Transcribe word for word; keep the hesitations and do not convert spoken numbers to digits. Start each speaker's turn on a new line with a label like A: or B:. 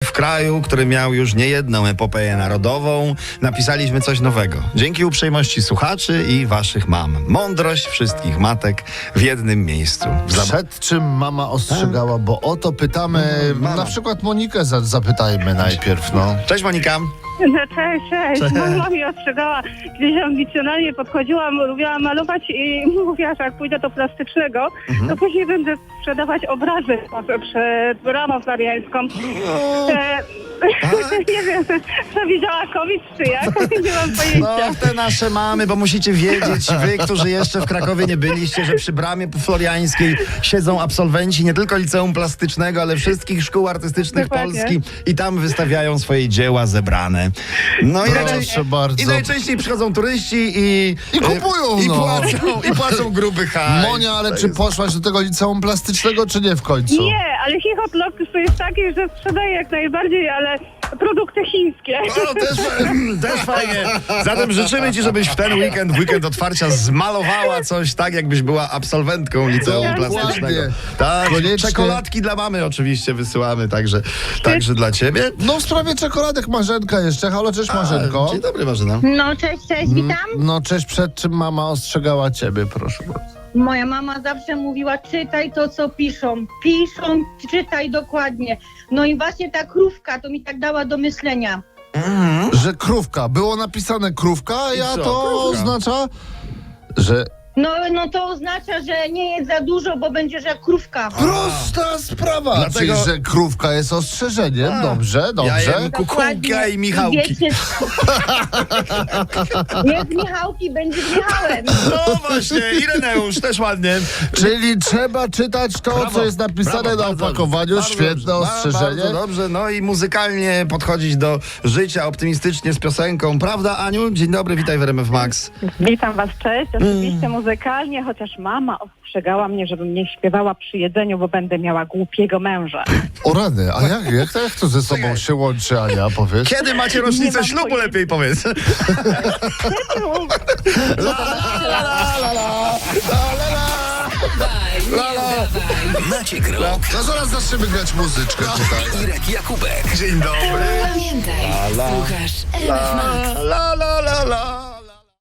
A: w kraju, który miał już niejedną epopeję narodową, napisaliśmy coś nowego. Dzięki uprzejmości słuchaczy i waszych mam. Mądrość wszystkich matek w jednym miejscu. Zab-
B: Przed czym mama ostrzegała, bo o to pytamy,
A: Mama.
B: na przykład Monikę za- zapytajmy najpierw, no.
A: Cześć Monika.
C: No cześć, cześć.
A: Cześć.
C: Mama mi ostrzegała, gdzieś ambicjonalnie podchodziłam, lubiłam malować i mówiła, że jak pójdę do plastycznego, to później będę sprzedawać obrazy może przed bramą floriańską. E, nie wiem, co widziała kobiet czy jak, nie mam pojęcia.
A: No, te nasze mamy, bo musicie wiedzieć, wy, którzy jeszcze w Krakowie nie byliście, że przy bramie floriańskiej siedzą absolwenci nie tylko liceum plastycznego, ale wszystkich szkół artystycznych
C: Dokładnie.
A: Polski i tam wystawiają swoje dzieła zebrane. No i,
B: Proszę
A: najczęściej,
B: bardzo.
A: i najczęściej przychodzą turyści i...
B: I kupują,
A: i
B: no.
A: płacą, i płacą gruby hajs.
B: Monia, ale
A: To
B: czy
A: jest-
B: poszłaś do tego liceum plastycznego, czy nie w końcu?
C: Nie, ale Chichot Locus to jest taki, że sprzedaje jak najbardziej, ale produkty chińskie.
A: O, też, też fajnie. Zatem życzymy ci, żebyś w ten weekend, w weekend otwarcia zmalowała coś tak, jakbyś była absolwentką liceum
C: Dokładnie.
A: plastycznego. Tak,
B: Koniecznie.
A: czekoladki dla mamy oczywiście wysyłamy, także, także dla ciebie.
B: No w sprawie czekoladek Marzenka jeszcze. Halo, cześć Marzenko.
A: Dzień dobry Marzyna.
D: No cześć, cześć, witam.
B: No cześć, przed czym mama ostrzegała ciebie, proszę bardzo.
D: Moja mama zawsze mówiła, czytaj to, co piszą. Piszą, czytaj dokładnie. No i właśnie ta krówka to mi tak dała do myślenia.
B: Że krówka, było napisane krówka, a ja
A: co,
B: to
A: krówka?
B: oznacza, że
D: No, no to oznacza, że nie jest za dużo, bo będziesz jak krówka.
B: prosta sprawa.
A: Dlatego-
B: Czyli, że krówka jest ostrzeżeniem.
A: A.
B: Dobrze,
A: Ja
B: dobrze.
A: jem kukułka i Michałki.
D: Wiecie, jest Michałki, będzie z Michałem.
A: No właśnie, Ireneusz, też ładnie.
B: Czyli trzeba czytać to,
A: Brawo,
B: co jest napisane
A: brawo,
B: na
A: bardzo
B: opakowaniu.
A: dobrze,
B: Świetne
A: bardzo
B: ostrzeżenie.
A: Bardzo dobrze, no i muzykalnie podchodzić do życia optymistycznie z piosenką. Prawda, Aniu? Dzień dobry, witaj w R M F Max.
C: Witam was, cześć. Oczywiście muzykalnie, chociaż mama ostrzegała mnie, żebym nie śpiewała przy jedzeniu, bo będę miała głupiego męża.
B: O rany, a jak, jak, to, jak to ze sobą się łączy, Ania, powiedz?
A: Kiedy macie
C: Nie
A: rocznicę
C: mam
A: ślubu,
C: pojęcia.
A: lepiej powiedz.
E: Maciek Rok,
B: No zaraz zaczniemy grać muzyczkę tutaj.
E: Irek Jakubek.
A: Dzień dobry.
F: Pamiętaj, słuchasz R M F Max.
A: La la la la.